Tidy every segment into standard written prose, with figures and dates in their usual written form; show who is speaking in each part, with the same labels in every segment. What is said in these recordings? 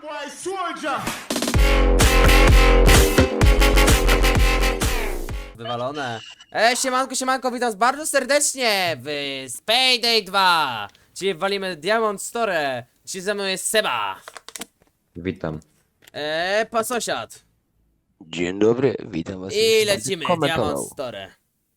Speaker 1: Wywalone. Siemanko, siemanko, witam was bardzo serdecznie w Payday 2. Dzisiaj walimy Diamond Store. Dzisiaj ze mną jest Seba.
Speaker 2: Witam.
Speaker 1: Pan sąsiad.
Speaker 3: Dzień dobry, witam was.
Speaker 1: I
Speaker 3: już
Speaker 1: lecimy,
Speaker 3: komentował.
Speaker 1: Diamond Store.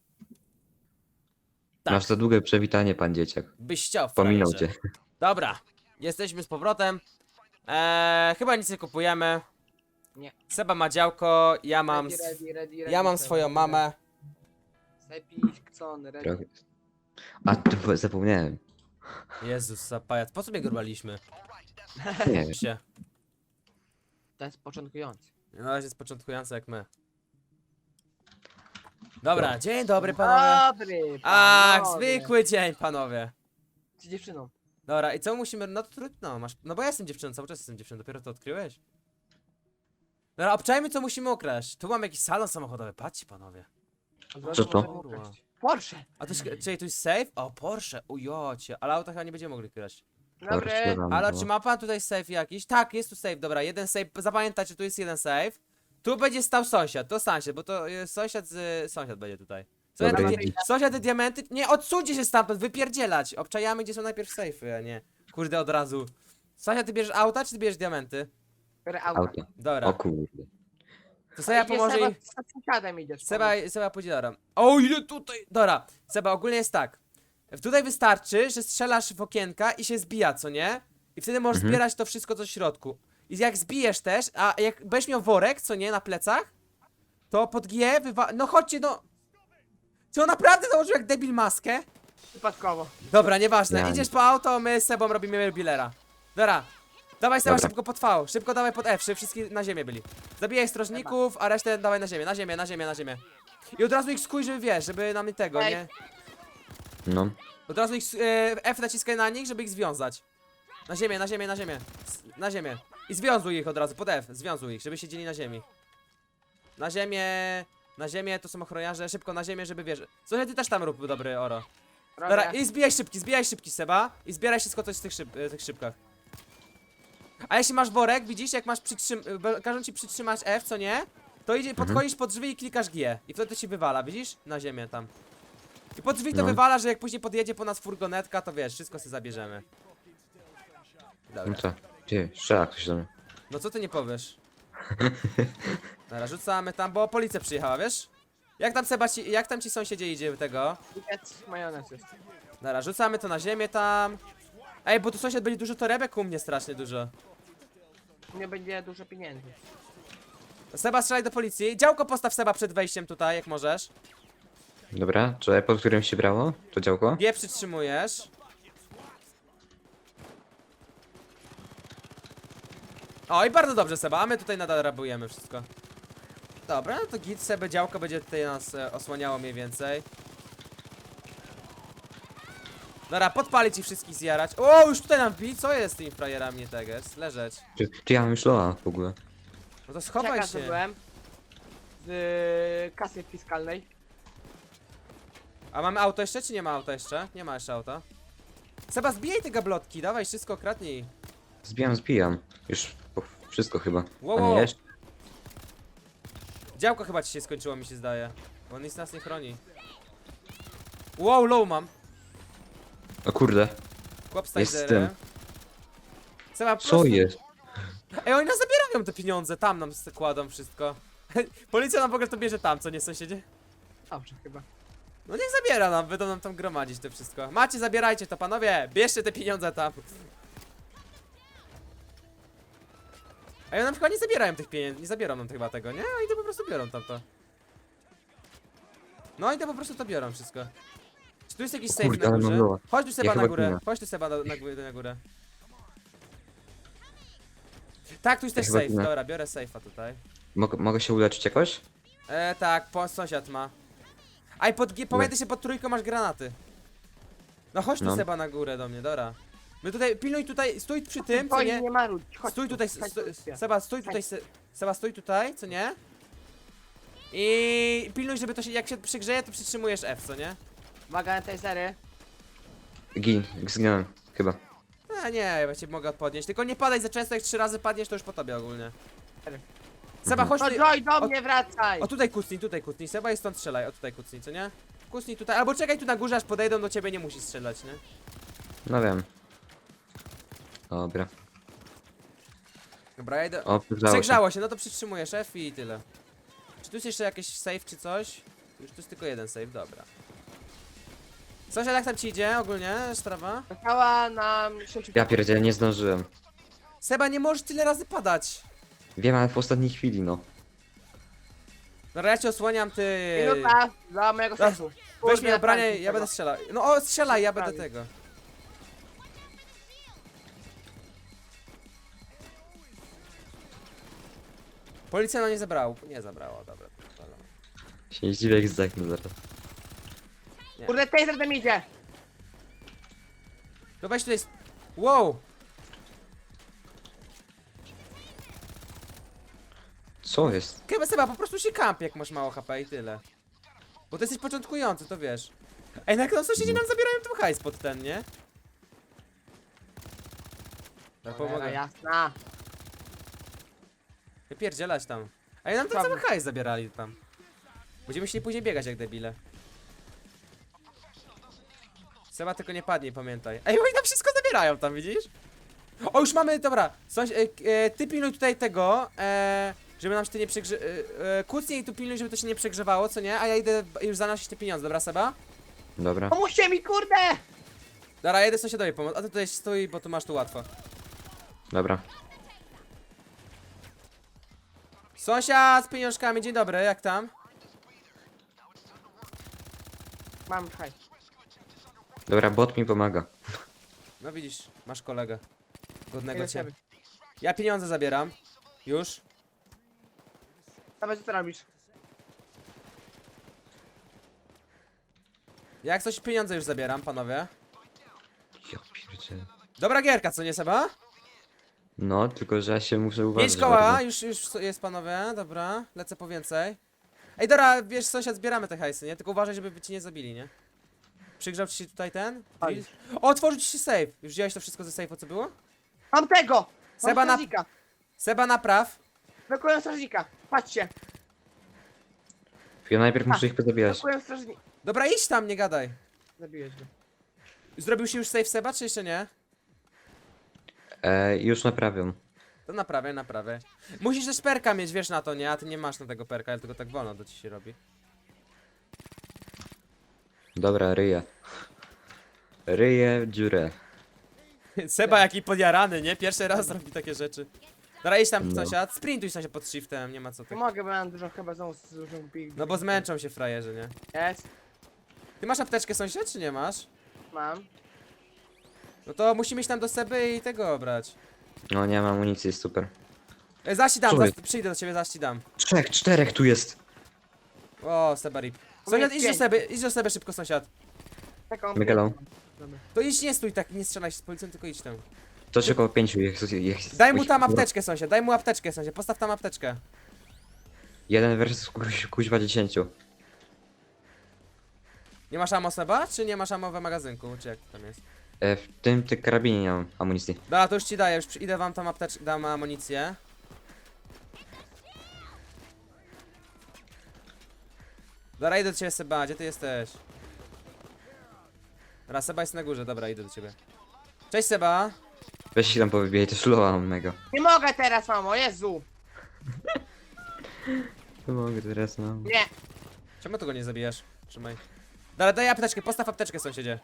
Speaker 1: Tak.
Speaker 2: Masz za długie przewitanie, pan dzieciak.
Speaker 1: Byś chciał,
Speaker 2: Pominął
Speaker 1: frajerze.
Speaker 2: cię.
Speaker 1: Dobra, jesteśmy z powrotem. Chyba nic nie kupujemy.
Speaker 4: Nie.
Speaker 1: Seba ma działko, ja mam, ja mam swoją mamę.
Speaker 4: Sepiś, Kcon, ready.
Speaker 2: Trochę. A, zapomniałem.
Speaker 1: Jezus, zapajac, po co mnie grubaliśmy?
Speaker 2: Nie wiem.
Speaker 1: Się.
Speaker 4: To jest początkujący.
Speaker 1: Na razie jest początkujący jak my. Dobra, dzień dobry panowie.
Speaker 4: Dobry,
Speaker 1: Ach,
Speaker 4: panowie.
Speaker 1: zwykły dzień panowie.
Speaker 4: Z dziewczyną.
Speaker 1: Dobra, i co musimy, no to trudno, masz, no bo ja jestem dziewczyną, cały czas jestem dziewczyną, dopiero to odkryłeś? Dobra, obczajmy co musimy ukraść. Tu mam jakiś salon samochodowy, patrzcie panowie.
Speaker 2: Co to?
Speaker 1: Kurwa.
Speaker 4: Porsche.
Speaker 1: A to jest, czyli tu jest safe? O, Porsche, ujocie, ale auta chyba nie będziemy mogli kraść.
Speaker 4: Dobry.
Speaker 1: Ale czy ma pan tutaj safe jakiś? Tak, jest tu safe, dobra, jeden safe, zapamiętajcie, tu jest jeden safe. Tu będzie stał sąsiad, to sąsiad, bo to sąsiad sąsiad będzie tutaj.
Speaker 2: Dobra,
Speaker 1: Sąsiad,
Speaker 2: idź.
Speaker 1: sąsiad te diamenty, nie, odsuńcie się stamtąd, wypierdzielać. Obczajamy, gdzie są najpierw safe'y, a nie, kurde, od razu. Sąsiad, ty bierzesz auta, czy ty bierzesz diamenty?
Speaker 4: Biorę auto.
Speaker 2: Auto.
Speaker 1: Dobra,
Speaker 2: O kurde.
Speaker 1: to Seba pomoże i...
Speaker 4: Z sąsiadem idziesz.
Speaker 1: Seba pójdzie, dobra. O, ile tutaj, dobra. Seba, ogólnie jest tak. Tutaj wystarczy, że strzelasz w okienka i się zbija, co nie? I wtedy możesz zbierać to wszystko, co w środku. I jak zbijesz też, a jak będziesz miał worek, co nie, na plecach, to pod G no chodźcie, no. Czy on naprawdę założył jak debil maskę?
Speaker 4: Przypadkowo.
Speaker 1: Dobra, nieważne.
Speaker 2: Ja nie.
Speaker 1: Idziesz po auto, my z Sebą robimy bilera. Dobra. Dawaj Seba
Speaker 2: Dobra.
Speaker 1: szybko pod V, szybko dawaj pod F, żeby wszyscy na ziemię byli. Zabijaj strażników, a resztę dawaj na ziemię, na ziemię, na ziemię, na ziemię. I od razu ich skuj, żeby wiesz, żeby nam tego,
Speaker 4: Ej.
Speaker 1: nie?
Speaker 2: No.
Speaker 1: Od razu ich, F naciskaj na nich, żeby ich związać. Na ziemię, na ziemię, na ziemię. Na ziemię. I związuj ich od razu, pod F, związuj ich, żeby siedzieli na ziemi. Na ziemię, to są ochroniarze, szybko na ziemię, żeby wiesz. Słuchaj, ty też tam rób dobry oro. Dobra,
Speaker 4: Robię.
Speaker 1: i zbijaj szybki Seba. I zbieraj wszystko coś z tych szybkach. A jeśli masz worek, widzisz, jak masz każą ci przytrzymać F, co nie? To idzie, podchodzisz pod drzwi i klikasz G. I wtedy to ci wywala, widzisz? Na ziemię tam. I pod drzwi to
Speaker 2: No.
Speaker 1: wywala, że jak później podjedzie po nas furgonetka, to wiesz, wszystko sobie zabierzemy.
Speaker 2: No
Speaker 1: Dobra.
Speaker 2: co? Gdzie? Strzela ktoś do mnie.
Speaker 1: No co ty nie powiesz? Dobra, rzucamy tam, bo policja przyjechała, wiesz? Jak tam Seba jak tam ci sąsiedzie idzie tego?
Speaker 4: Piec, majonez jest.
Speaker 1: Dobra, rzucamy to na ziemię tam. Ej, bo tu sąsiad będzie dużo torebek u mnie, strasznie dużo.
Speaker 4: Nie będzie dużo pieniędzy.
Speaker 1: Seba, strzelaj do policji. Działko postaw Seba przed wejściem tutaj, jak możesz.
Speaker 2: Dobra, czy pod którym się brało? To działko?
Speaker 1: G przytrzymujesz. O, i bardzo dobrze, Seba, a my tutaj nadal rabujemy wszystko. Dobra, no to git, Sebe, działko będzie tutaj nas osłaniało mniej więcej. Dobra, podpalić i wszystkich zjarać. O, już tutaj nam wbij, co jest z tymi frajerami, nie tak jest? Leżeć.
Speaker 2: Czy ja mam już loa w ogóle?
Speaker 1: No to schowaj
Speaker 4: Czeka,
Speaker 1: się.
Speaker 4: byłem z kasy fiskalnej.
Speaker 1: A mamy auto jeszcze, czy nie ma auta jeszcze? Nie ma jeszcze auta. Seba, zbijaj te gablotki, dawaj, wszystko kradnij.
Speaker 2: Zbijam. Już wszystko chyba.
Speaker 1: Wow,
Speaker 2: A
Speaker 1: wow.
Speaker 2: nie jeszcze?
Speaker 1: Działko chyba ci się skończyło, mi się zdaje. Bo on nic nas nie chroni. Wow, low mam.
Speaker 2: O kurde.
Speaker 1: Chłop z
Speaker 2: Jest z
Speaker 1: taserem.
Speaker 2: tym.
Speaker 1: Seba, po
Speaker 2: Co
Speaker 1: prostu...
Speaker 2: jest?
Speaker 1: Ej, oni nas zabierają te pieniądze, tam nam kładą wszystko. Policja nam w ogóle to bierze tam, co nie, sąsiedzie?
Speaker 4: Dobrze chyba.
Speaker 1: No niech zabiera nam, będą nam tam gromadzić to wszystko. Macie, zabierajcie to, panowie, bierzcie te pieniądze tam. Ej, nam chyba nie zabierają tych pieniędzy, nie zabiorą nam chyba tego, nie? Oni to po prostu biorą tamto. No oni to po prostu to biorą wszystko. Czy tu jest jakiś
Speaker 2: O
Speaker 1: safe
Speaker 2: kurde,
Speaker 1: na
Speaker 2: ale mam
Speaker 1: górze?
Speaker 2: loa.
Speaker 1: Chodź tu Seba
Speaker 2: Ja
Speaker 1: na
Speaker 2: chyba
Speaker 1: górę,
Speaker 2: ginę.
Speaker 1: chodź tu Seba na górę. Tak, tu jest
Speaker 2: Ja
Speaker 1: też
Speaker 2: chyba
Speaker 1: safe,
Speaker 2: ginę.
Speaker 1: dobra, biorę safe'a tutaj.
Speaker 2: Mogę się uleczyć jakoś?
Speaker 1: Tak, sąsiad ma. Aj, pamiętaj się, pod trójką masz granaty. No chodź tu
Speaker 2: No.
Speaker 1: Seba na górę do mnie, dobra. My tutaj, pilnuj tutaj, stój przy tym, co
Speaker 4: Oj,
Speaker 1: nie?
Speaker 4: nie marudź. Chodź
Speaker 1: Stój
Speaker 4: tu,
Speaker 1: tutaj,
Speaker 4: chodź tu.
Speaker 1: Seba, stój tutaj, Seba, stój tutaj, co nie? I pilnuj, żeby to się, jak się przygrzeje, to przytrzymujesz F, co nie?
Speaker 4: Uwaga na tasery.
Speaker 2: Zginąłem. Chyba.
Speaker 1: Nie, ja właściwie mogę podnieść. Tylko nie padaj za często, jak 3 razy padniesz, to już po tobie ogólnie. Seba, chodź
Speaker 4: No
Speaker 1: tu.
Speaker 4: Joy, do mnie wracaj!
Speaker 1: O tutaj kucnij. Seba i stąd strzelaj. O tutaj kucnij, co nie? Kucnij tutaj. Albo czekaj tu na górze, aż podejdą do ciebie, nie musisz strzelać, nie?
Speaker 2: No wiem. Dobra.
Speaker 1: Dobra, ja idę.
Speaker 2: O, przegrzało się.
Speaker 1: Przegrzało się, no to przytrzymujesz F i tyle. Czy tu jest jeszcze jakiś save czy coś? Już tu jest tylko jeden save, dobra. Sąsiad, jak tam ci idzie ogólnie sprawa?
Speaker 4: Została nam 10.
Speaker 2: Ja pierdzielę, nie zdążyłem.
Speaker 1: Seba, nie możesz tyle razy padać.
Speaker 2: Wiem, ale w ostatniej chwili, no.
Speaker 1: Dobra, ja cię osłaniam, ty.
Speaker 4: Minuta dla mojego
Speaker 1: Raz,
Speaker 4: sensu.
Speaker 1: Weź mi
Speaker 4: Kurde,
Speaker 1: ubranie,
Speaker 4: tak,
Speaker 1: ja będę strzelał. No o, strzelaj, ja będę
Speaker 4: Prawie.
Speaker 1: tego. Policja no nie zabrała. Nie zabrała, dobra. dobra.
Speaker 2: Się nie zdziwię, jak zdechnę zaraz.
Speaker 4: Kurde, taser tam idzie!
Speaker 1: No weź tutaj. Wow!
Speaker 2: Co jest?
Speaker 1: Chyba Seba, po prostu się kamp, jak masz mało HP i tyle. Bo ty jesteś początkujący, to wiesz. Ej, na no sąsiedzi nam zabierają tu hajs pod ten, nie? Ja
Speaker 4: Cholera
Speaker 1: pomogę.
Speaker 4: jasna.
Speaker 1: Wypierdzielać tam. A ja nam ten
Speaker 4: Prawda.
Speaker 1: cały hajs zabierali tam. Będziemy musieli później biegać jak debile. Seba tylko nie padnie, pamiętaj. Ej, oni tam wszystko zabierają tam, widzisz? O, już mamy, dobra. Ty pilnuj tutaj tego, żeby nam się to nie przegrze... kucnij i tu pilnuj, żeby to się nie przegrzewało, co nie? A ja idę już zanosić te pieniądze, dobra Seba?
Speaker 2: Dobra.
Speaker 4: Pomóżcie mi, kurde!
Speaker 1: Dobra, ja idę sąsiadowi pomóc, a ty tutaj stój, bo tu masz tu łatwo.
Speaker 2: Dobra.
Speaker 1: Sąsiad z pieniążkami, dzień dobry, jak tam?
Speaker 4: Mam hajs.
Speaker 2: Dobra, bot mi pomaga.
Speaker 1: No widzisz, masz kolegę. Godnego
Speaker 4: Idę
Speaker 1: cię.
Speaker 4: sobie.
Speaker 1: Ja pieniądze zabieram. Już.
Speaker 4: Dawaj, co ty robisz?
Speaker 1: Jak coś pieniądze już zabieram, panowie.
Speaker 2: Ja pierdzielę.
Speaker 1: Dobra gierka, co nie Seba?
Speaker 2: No, tylko że ja się muszę uważać.
Speaker 1: 5 koła,
Speaker 2: bardzo.
Speaker 1: już jest panowie, dobra. Lecę po więcej. Ej, dobra, wiesz, sąsiad, zbieramy te hajsy, nie? Tylko uważaj, żeby ci nie zabili, nie? Przygrzał ci się tutaj ten?
Speaker 4: Oj.
Speaker 1: Drill? O, otworzył ci się safe. Już wziąłeś to wszystko ze safe'u, co było?
Speaker 4: Mam tego! Mam
Speaker 1: Seba na-
Speaker 4: strażnika!
Speaker 1: Seba, napraw.
Speaker 4: Blokuję strażnika! Patrzcie!
Speaker 2: Ja najpierw muszę ich pozabijać.
Speaker 4: Blokuję strażnika!
Speaker 1: Dobra, idź tam, nie gadaj.
Speaker 4: Zabiłeś go.
Speaker 1: Zrobił się już safe Seba, czy jeszcze nie?
Speaker 2: Już naprawiam.
Speaker 1: To naprawię. Musisz też perka mieć, wiesz na to, nie? A ty nie masz na tego perka, ale tylko tak wolno to ci się robi.
Speaker 2: Dobra, ryję. Ryję dziurę.
Speaker 1: Seba jaki podjarany, nie? Pierwszy raz robi takie rzeczy. Dobra, idź tam
Speaker 2: No.
Speaker 1: sąsiad, sprintuj sąsiad pod shiftem, nie ma co
Speaker 4: Nie
Speaker 1: tak.
Speaker 4: mogę, bo mam dużo chyba znowu z dużą pig.
Speaker 1: No bo zmęczą się frajerzy, nie?
Speaker 4: Jest.
Speaker 1: Ty masz apteczkę sąsiad, czy nie masz?
Speaker 4: Mam.
Speaker 1: No to musimy iść tam do Seby i tego brać.
Speaker 2: No nie mam amunicji, jest super.
Speaker 1: Zaś ci dam,
Speaker 2: Co jest?
Speaker 1: przyjdę do ciebie, zaś ci dam.
Speaker 2: 3, 4 tu jest.
Speaker 1: O, Seba rip.
Speaker 4: U
Speaker 1: Sąsiad,
Speaker 4: mnie jest
Speaker 1: idź do Seby szybko sąsiad.
Speaker 4: Taką.
Speaker 2: Megalon.
Speaker 4: Dobra.
Speaker 1: To idź, nie stój tak, nie strzelaj się z policją, tylko idź tam.
Speaker 2: To się około 5 jest.
Speaker 1: Daj mu tam apteczkę sąsiad, daj mu apteczkę sąsiad, postaw tam apteczkę.
Speaker 2: 1 versus kuźwa 10.
Speaker 1: Nie masz ammo Seba, czy nie masz ammo w magazynku, czy jak tam jest?
Speaker 2: W tym karabinie nie mam amunicji.
Speaker 1: Dobra, to już ci daję, już idę wam tam apteczkę, dam amunicję. Dobra, idę do ciebie Seba, gdzie ty jesteś? Dobra, Seba jest na górze, dobra, idę do ciebie. Cześć Seba.
Speaker 2: Weź się tam powybijaj, to slowa mam mega.
Speaker 4: Nie mogę teraz, mamo, Jezu!
Speaker 2: To mogę teraz, no.
Speaker 4: Nie!
Speaker 1: Czemu tego nie zabijasz? Trzymaj. Dobra, daj apteczkę, postaw apteczkę sąsiedzie.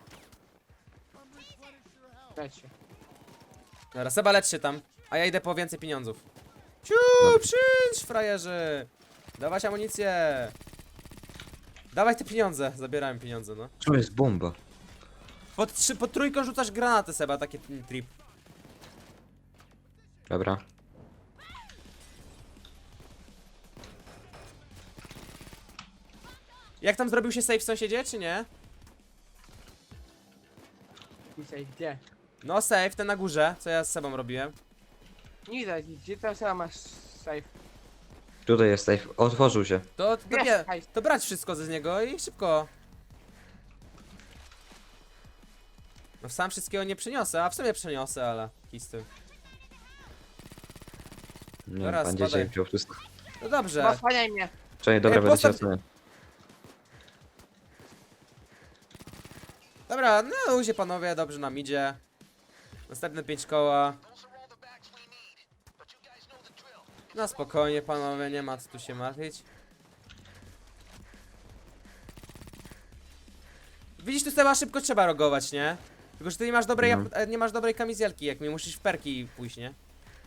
Speaker 4: Leć się.
Speaker 1: Dobra, Seba lecz się tam, a ja idę po więcej pieniądzów. Ciu, przyjdź frajerzy. Dawać amunicję. Dawaj te pieniądze, zabierałem pieniądze, no.
Speaker 2: To jest bomba.
Speaker 1: Pod trójką rzucasz granaty Seba, taki trip.
Speaker 2: Dobra.
Speaker 1: Jak tam zrobił się safe w sąsiedzie, czy nie?
Speaker 4: Dzisiaj, gdzie?
Speaker 1: No safe, ten na górze, co ja z Sebą robiłem.
Speaker 4: Nie widać nic, gdzie teraz masz safe?
Speaker 2: Tutaj jest safe. Otworzył się.
Speaker 4: Jest, hajs.
Speaker 1: To brać wszystko z niego i szybko. No sam wszystkiego nie przyniosę, a w sumie przyniosę, ale kisty.
Speaker 2: Nie,
Speaker 1: Dobra,
Speaker 2: pan
Speaker 1: spadaj.
Speaker 2: dzisiaj wziął wszystko.
Speaker 1: No dobrze.
Speaker 4: No, osłaniaj mnie.
Speaker 2: Czekaj, dobra, będę cię
Speaker 1: postaw-
Speaker 2: oceniał.
Speaker 1: Dobra, no ludzie panowie, dobrze nam idzie. Następne 5 koła. No spokojnie panowie, nie ma co tu się martwić. Widzisz, tu Seba szybko trzeba rogować, nie? Tylko, że ty nie masz dobrej, nie masz dobrej kamizelki, jak mi musisz w perki pójść, nie?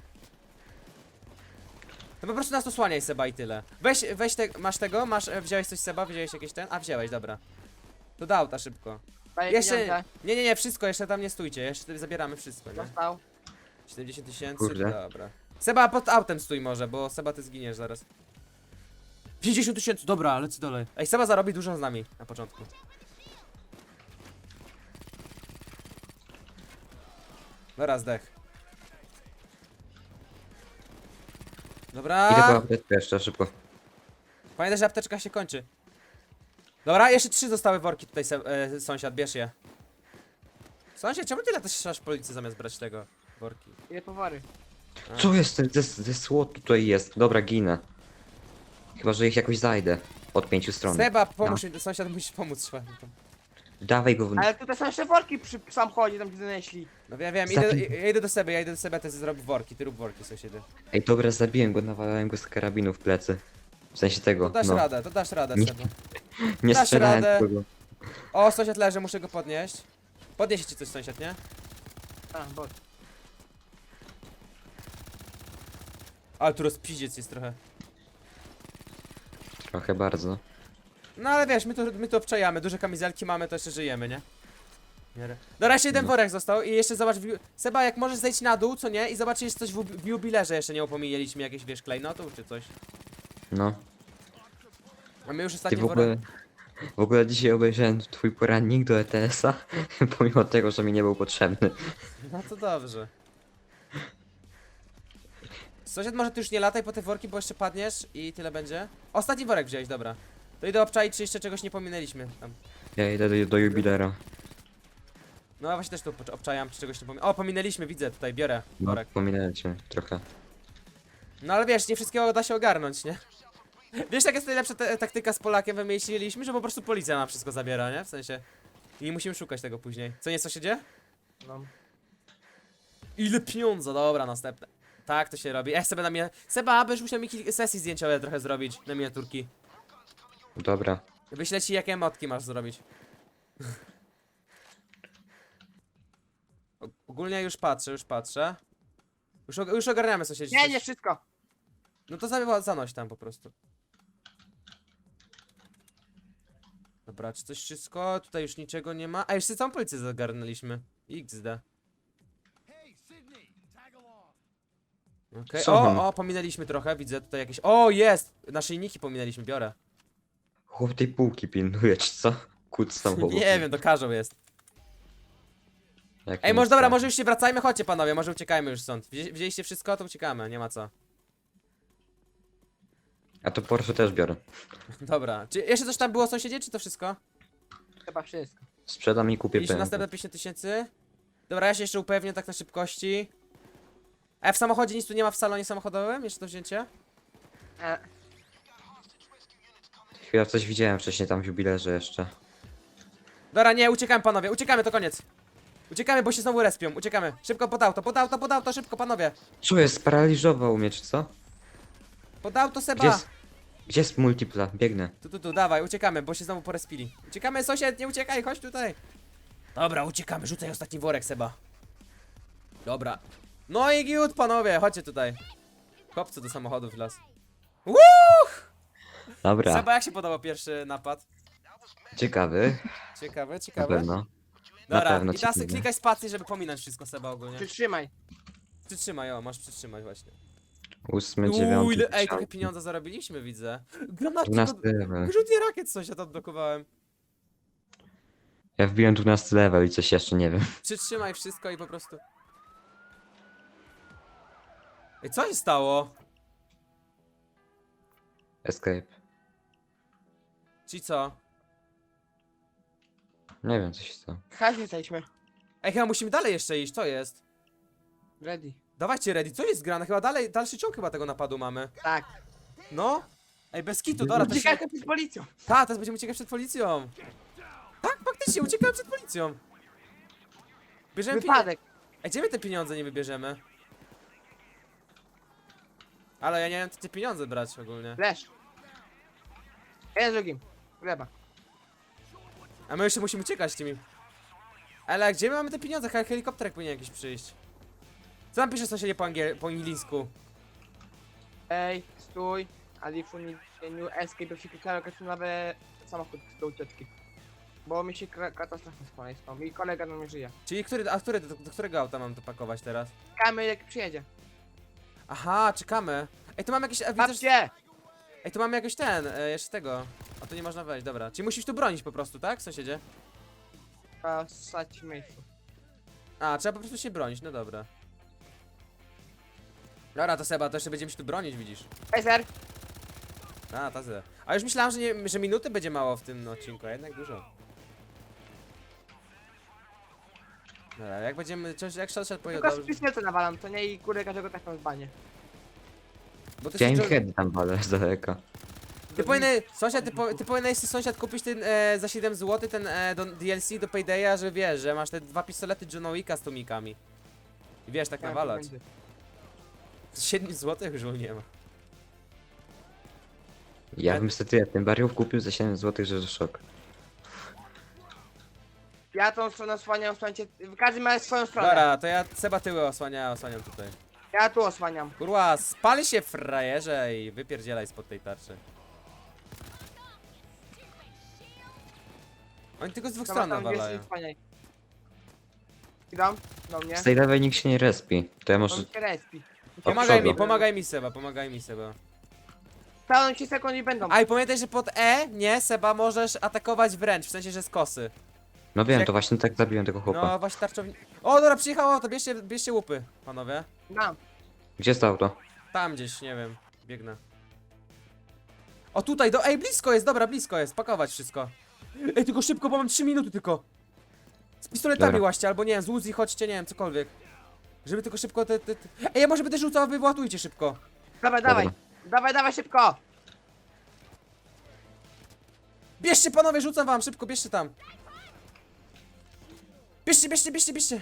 Speaker 1: To po prostu nas osłaniaj Seba i tyle. Weź masz tego? Wziąłeś coś Seba? Wziąłeś jakieś ten? A wziąłeś, dobra. To do auta szybko.
Speaker 4: Daję
Speaker 1: Jeszcze,
Speaker 4: pieniądze.
Speaker 1: nie, wszystko, jeszcze tam nie stójcie, jeszcze sobie zabieramy wszystko, nie?
Speaker 4: Dostał.
Speaker 1: 70 tysięcy,
Speaker 2: Kurde.
Speaker 1: dobra. Seba, pod autem stój może, bo Seba ty zginiesz zaraz. 50 tysięcy, dobra, lecę dalej. Ej, Seba zarobi dużo z nami na początku. Dobra, zdech. Dobra.
Speaker 2: Idę po apteczkę jeszcze szybko.
Speaker 1: Pamiętaj, że apteczka się kończy. Dobra, jeszcze 3 zostały worki tutaj, sąsiad, bierz je. Sąsiad, czemu tyle też strzelasz policji zamiast brać tego worki?
Speaker 4: Ile powary?
Speaker 2: Co jest? Ze słod tutaj jest. Dobra, ginę. Chyba, że ich jakoś zajdę. Od 5 stron.
Speaker 1: Seba, pomóż mi, sąsiad musi pomóc trzeba.
Speaker 2: Dawaj go.
Speaker 4: Ale tutaj są jeszcze worki przy samochodzie, tam gdzie zanieśli.
Speaker 1: No ja wiem,
Speaker 2: Zabij-
Speaker 1: ja idę do Seby, ty zrobię worki, ty rób worki, sąsiedzie.
Speaker 2: Ej, dobra, zabiłem go, nawalałem go z karabinu w plecy. W sensie tego,
Speaker 1: To dasz
Speaker 2: no.
Speaker 1: radę, to dasz radę,
Speaker 2: Nie.
Speaker 1: Seba.
Speaker 2: Nie
Speaker 1: dasz
Speaker 2: strzelałem
Speaker 1: radę.
Speaker 2: tego.
Speaker 1: O, sąsiad leży, muszę go podnieść. Podniesie ci coś, sąsiad, nie?
Speaker 4: A, bot.
Speaker 1: Ale tu rozpiździec jest trochę.
Speaker 2: Trochę bardzo.
Speaker 1: No ale wiesz, my tu obczajamy, duże kamizelki mamy, to jeszcze żyjemy, nie? W miarę. Dobra, jeszcze jeden worek został i jeszcze zobacz, Seba, jak możesz zejść na dół, co nie? I zobacz, jest coś w jubilerze jeszcze nie opominęliśmy, jakieś, wiesz, klejnotów czy coś.
Speaker 2: No.
Speaker 1: A my już
Speaker 2: Ty
Speaker 1: ostatni
Speaker 2: w ogóle... W ogóle dzisiaj obejrzałem twój porannik do ETS-a, pomimo tego, że mi nie był potrzebny.
Speaker 1: No to dobrze. Sąsiad, może ty już nie lataj po te worki, bo jeszcze padniesz i tyle będzie. Ostatni worek wziąłeś, dobra. To idę obczaić, czy jeszcze czegoś nie pominęliśmy tam.
Speaker 2: Ja idę do jubilera.
Speaker 1: No właśnie też tu obczajam, czy czegoś nie pominęliśmy. O, pominęliśmy, widzę, tutaj biorę
Speaker 2: No,
Speaker 1: worek.
Speaker 2: pominąłem cię trochę.
Speaker 1: No ale wiesz, nie wszystkiego da się ogarnąć, nie? Wiesz, jaka jest najlepsza taktyka z Polakiem wymyśliliśmy, że po prostu policja nam wszystko zabiera, nie? W sensie... I nie musimy szukać tego później. Co nie, co się dzieje?
Speaker 4: No.
Speaker 1: Ile pieniądza, dobra, następne. Tak to się robi. Sobie na mnie... Seba, byś musiał mi kilka sesji zdjęciowe trochę zrobić na miniaturki.
Speaker 2: Dobra.
Speaker 1: Wyślę ci, jakie emotki masz zrobić. Ogólnie już patrzę, Już ogarniamy sąsiedzi.
Speaker 4: Nie, nie wszystko.
Speaker 1: No to zanoś tam po prostu. Dobra, czy coś wszystko? Tutaj już niczego nie ma. A jeszcze całą policję zagarnęliśmy. XD. Okej,
Speaker 2: Co mam?
Speaker 1: o, pominęliśmy trochę, widzę tutaj jakieś... O, jest! Naszyjniki pominęliśmy, biorę.
Speaker 2: Chłop tej półki pilnuje, czy co? Kut samochodu.
Speaker 1: Nie wiem, to każą jest.
Speaker 2: Jak
Speaker 1: Ej,
Speaker 2: nie
Speaker 1: może dobra,
Speaker 2: strach.
Speaker 1: może już się wracajmy, chodźcie panowie, może uciekajmy już stąd. Wzięliście wszystko, to uciekamy, nie ma co.
Speaker 2: A to Porsche też biorę.
Speaker 1: Dobra, czy jeszcze coś tam było sąsiedzie, czy to wszystko?
Speaker 4: Chyba wszystko.
Speaker 2: Sprzedam i kupię
Speaker 1: Mieliśmy
Speaker 2: BMW.
Speaker 1: następne 50 tysięcy. Dobra, ja się jeszcze upewnię tak na szybkości. A w samochodzie nic tu nie ma w salonie samochodowym? Jeszcze to wzięcie?
Speaker 4: E,
Speaker 2: Chwila, coś widziałem wcześniej tam w jubilerze jeszcze.
Speaker 1: Dobra, nie, uciekamy panowie, uciekamy, to koniec. Uciekamy, bo się znowu respią, uciekamy. Szybko pod auto, szybko panowie.
Speaker 2: Co jest? Sparaliżował mnie, czy co?
Speaker 1: Pod auto Seba.
Speaker 2: Gdzie jest multipla? Biegnę.
Speaker 1: Tu, dawaj, uciekamy, bo się znowu porespili. Uciekamy, sąsiad, nie uciekaj, chodź tutaj. Dobra, uciekamy, rzucaj ostatni worek, Seba. Dobra. No i giut, panowie, chodźcie tutaj. Chłopcy do samochodów w las.
Speaker 2: Dobra,
Speaker 1: Seba, jak się podobał pierwszy napad?
Speaker 2: ciekawy.
Speaker 1: Ciekawe,
Speaker 2: Na
Speaker 1: ciekawe.
Speaker 2: pewno. Na
Speaker 1: Dobra,
Speaker 2: pewno
Speaker 1: i teraz
Speaker 2: ciekawy.
Speaker 1: klikaj spację, żeby pominąć wszystko Seba ogólnie.
Speaker 4: przytrzymaj.
Speaker 1: Przytrzymaj, o, masz przytrzymać właśnie.
Speaker 2: 8, 9,
Speaker 1: Ile, ej, trochę pieniądza zarobiliśmy, widzę. Granaty,
Speaker 2: 12 level.
Speaker 1: wyrzutnie rakiet sąsiad odblokowałem.
Speaker 2: Ja wbiłem 12 level i coś jeszcze nie wiem.
Speaker 1: Przytrzymaj wszystko i po prostu... Ej, co się stało?
Speaker 2: Escape.
Speaker 1: Czyli co?
Speaker 2: Nie wiem, co się stało.
Speaker 4: Hajs jesteśmy.
Speaker 1: Ej, chyba musimy dalej jeszcze iść, co jest?
Speaker 4: Ready.
Speaker 1: Dawajcie ready, co jest grane? Chyba dalej, dalszy ciąg chyba tego napadu mamy.
Speaker 4: Tak.
Speaker 1: No? Ej, bez kitu, dobra, to się...
Speaker 4: Uciekajcie przed policją.
Speaker 1: Ta, teraz będziemy uciekać przed policją. Tak, faktycznie, uciekamy przed policją. Bierzemy pieniądze.
Speaker 4: Wypadek.
Speaker 1: Ej, gdzie my te pieniądze nie wybierzemy? Ale ja nie wiem, te pieniądze brać ogólnie.
Speaker 4: Lesz. Jeden z drugim. Gleba.
Speaker 1: A my jeszcze musimy uciekać tymi. Ale gdzie my mamy te pieniądze? Helikopterek powinien jakiś przyjść. Co tam pisze sąsiedzie po angielsku?
Speaker 4: Ej, stój. Alifu nie escape, jeśli kliknę nowy samochód do ucieczki. Bo mi się katastrofa z i kolega na mnie żyje.
Speaker 1: Czyli do którego auta mam to pakować teraz?
Speaker 4: Czekamy jak przyjedzie.
Speaker 1: Aha, czekamy. Ej, tu mamy jakieś... Widzę, że...
Speaker 4: Babcie!
Speaker 1: Ej, tu mamy jakoś jeszcze tego. A tu nie można wejść, dobra. Czyli musisz tu bronić po prostu, tak, sąsiedzie?
Speaker 4: Trzeba ssać w miejscu.
Speaker 1: A, trzeba po prostu się bronić, no dobra. Dobra, to Seba, to jeszcze będziemy się tu bronić, widzisz.
Speaker 4: Ej, ser!
Speaker 1: A, ta zero. A już myślałem, że minuty będzie mało w tym odcinku, a jednak dużo. Dobra, jak będziemy, jak sąsiad powiedział
Speaker 4: Tylko z
Speaker 1: dobrze.
Speaker 4: pistoletu nawalam, to nie i kurde każdego tak w banie.
Speaker 1: Bo ty,
Speaker 2: Ja im
Speaker 1: się-
Speaker 2: head tam walę z daleka.
Speaker 1: ty powinien, sąsiad, ty powinieneś sąsiad kupić ten za 7 zł ten DLC do Paydaya, że wiesz, że masz te 2 pistolety Johna Wicka z tomikami. I wiesz, tak nawalać. 7 zł już nie ma.
Speaker 2: Ja bym sobie ten bariów kupił za 7 zł, że szok.
Speaker 4: Ja tą stronę osłaniam, słuchajcie, każdy ma swoją stronę.
Speaker 1: Dobra, to ja Seba tyły osłaniam tutaj.
Speaker 4: Ja tu osłaniam.
Speaker 1: Kurwa, spali się frajerze i wypierdzielaj spod tej tarczy. Oni tylko z dwóch
Speaker 4: Dobra,
Speaker 1: stron
Speaker 4: tam
Speaker 1: nawalają.
Speaker 4: jest, osłaniaj. Idą do mnie.
Speaker 2: Z tej lewej nikt się nie respi. To ja może...
Speaker 4: On się respi.
Speaker 1: Pomagaj mi Seba, pomagaj mi Seba.
Speaker 4: Pełną ci sekund i będą.
Speaker 1: A i pamiętaj, że pod E, nie, Seba, możesz atakować wręcz, w sensie, że z kosy.
Speaker 2: No wiem,
Speaker 1: Jak-
Speaker 2: to właśnie tak zabiłem tego chłopa.
Speaker 1: No właśnie tarczownik. O, dobra, przyjechało, to bierzcie łupy, panowie.
Speaker 4: Dam.
Speaker 2: Gdzie jest to auto?
Speaker 1: Tam gdzieś, nie wiem, biegnę. O tutaj, ej, blisko jest, dobra, blisko jest, pakować wszystko. Ej, tylko szybko, bo mam 3 minuty tylko. Z pistoletami
Speaker 2: Dobra.
Speaker 1: łaście, albo nie wiem, z Uzi chodźcie, nie wiem, cokolwiek. Żeby tylko szybko Ej, ja może będę rzucał, a wy wyładujcie szybko.
Speaker 4: Dawaj, dawaj. Dawaj, dawaj szybko.
Speaker 1: Bierzcie panowie, rzucam wam, szybko, bierzcie tam. Bierzcie.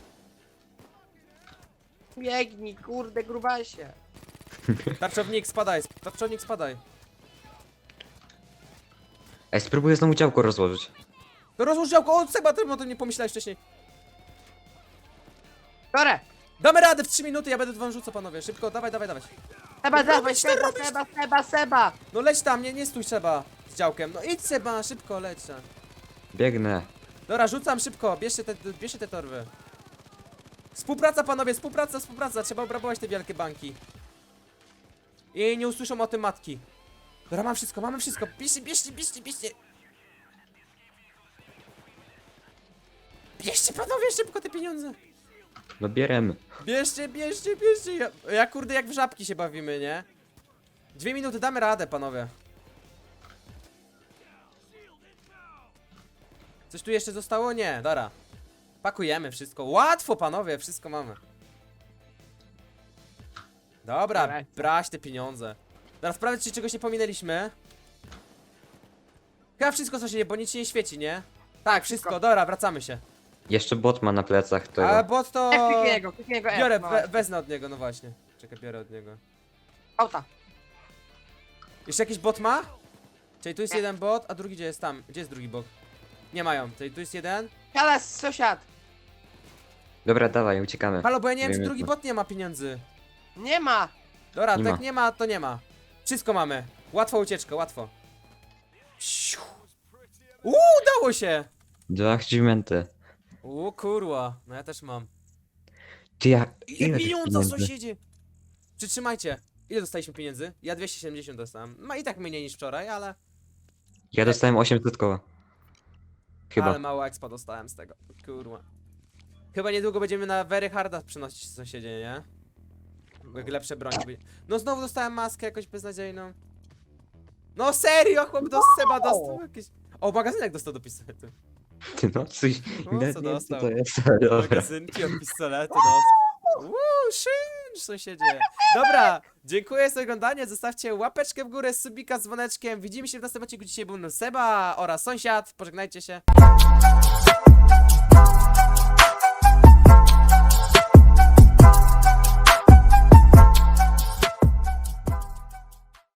Speaker 4: Biegnij, kurde, grubasie.
Speaker 1: Tarczownik, spadaj.
Speaker 2: Ej, spróbuję znowu działko rozłożyć.
Speaker 1: To rozłóż działko, o Seba, ty o tym nie pomyślałeś wcześniej.
Speaker 4: Biorę.
Speaker 1: Damy radę w 3 minuty, ja będę wam rzucał panowie, szybko, dawaj.
Speaker 4: Seba, dawaj,
Speaker 1: robisz, co
Speaker 4: Seba,
Speaker 1: robisz?
Speaker 4: Seba.
Speaker 1: No leć tam, nie stój Seba z działkiem, no idź Seba, szybko leć tam.
Speaker 2: Biegnę.
Speaker 1: Dobra, rzucam szybko, bierzcie te torby. Współpraca panowie, współpraca, trzeba obrabować te wielkie banki. I nie usłyszą o tym matki. Dobra, mamy wszystko, bierzcie. Bierzcie panowie szybko te pieniądze.
Speaker 2: No bierem.
Speaker 1: Bierzcie. Ja kurde jak w żabki się bawimy, nie? 2 minuty, damy radę panowie. Coś tu jeszcze zostało? Nie, dobra. Pakujemy wszystko. Łatwo panowie, wszystko mamy. Dobra,
Speaker 4: Dobra.
Speaker 1: brać te pieniądze. Teraz sprawdzę, czy czegoś nie pominęliśmy. Chyba wszystko co się nie, bo nic się nie świeci, nie? Tak, wszystko, dobra, wracamy się.
Speaker 2: Jeszcze bot ma na plecach tego.
Speaker 1: A bot to...
Speaker 4: Kliknij go F.
Speaker 1: Biorę,
Speaker 4: no.
Speaker 1: wezmę od niego, no właśnie. Czekaj, biorę od niego.
Speaker 4: Auta.
Speaker 1: Jeszcze jakiś bot ma? Czyli tu jest
Speaker 4: Nie.
Speaker 1: jeden bot, a drugi gdzie jest tam? Gdzie jest drugi bot? Nie mają, czyli tu jest jeden.
Speaker 4: Siada sąsiad.
Speaker 2: Dobra, dawaj, uciekamy.
Speaker 1: Halo, bo ja nie wiem, czy
Speaker 2: Wiemy
Speaker 1: drugi
Speaker 2: to.
Speaker 1: bot nie ma pieniędzy.
Speaker 4: Nie ma.
Speaker 1: Dobra,
Speaker 2: Nie
Speaker 1: tak
Speaker 2: ma.
Speaker 1: nie ma, to nie ma. Wszystko mamy. Łatwo ucieczka, łatwo. Siu. Udało się!
Speaker 2: 2 achievementy.
Speaker 1: Kurwa, no ja też mam.
Speaker 2: Ty ja...
Speaker 1: Ile
Speaker 2: Ile tych
Speaker 1: pieniądze,
Speaker 2: pieniędzy?
Speaker 1: sąsiedzie! Przytrzymajcie. Ile dostaliśmy pieniędzy? Ja 270 dostałem. Ma i tak mniej niż wczoraj, ale...
Speaker 2: Ja dostałem 800 koła. Chyba.
Speaker 1: Ale mało expa dostałem z tego. Kurwa. Chyba niedługo będziemy na very harda przenosić sąsiedzie, nie? Jak lepsze broni będzie. No znowu dostałem maskę jakoś beznadziejną. No serio, chłop do Seba dostał jakieś... O, magazynek dostał do pistoletu.
Speaker 2: Ty no, coś...
Speaker 1: O,
Speaker 2: nawet
Speaker 1: co
Speaker 2: nie wiem, co
Speaker 1: dostał?
Speaker 2: to jest, ale dobra.
Speaker 1: Magazynki od pistoletu dostał. Szynsz, sąsiedzie. Dobra, dziękuję za oglądanie. Zostawcie łapeczkę w górę, subika z dzwoneczkiem. Widzimy się w następnym odcinku. Dzisiaj był Seba oraz sąsiad. Pożegnajcie się.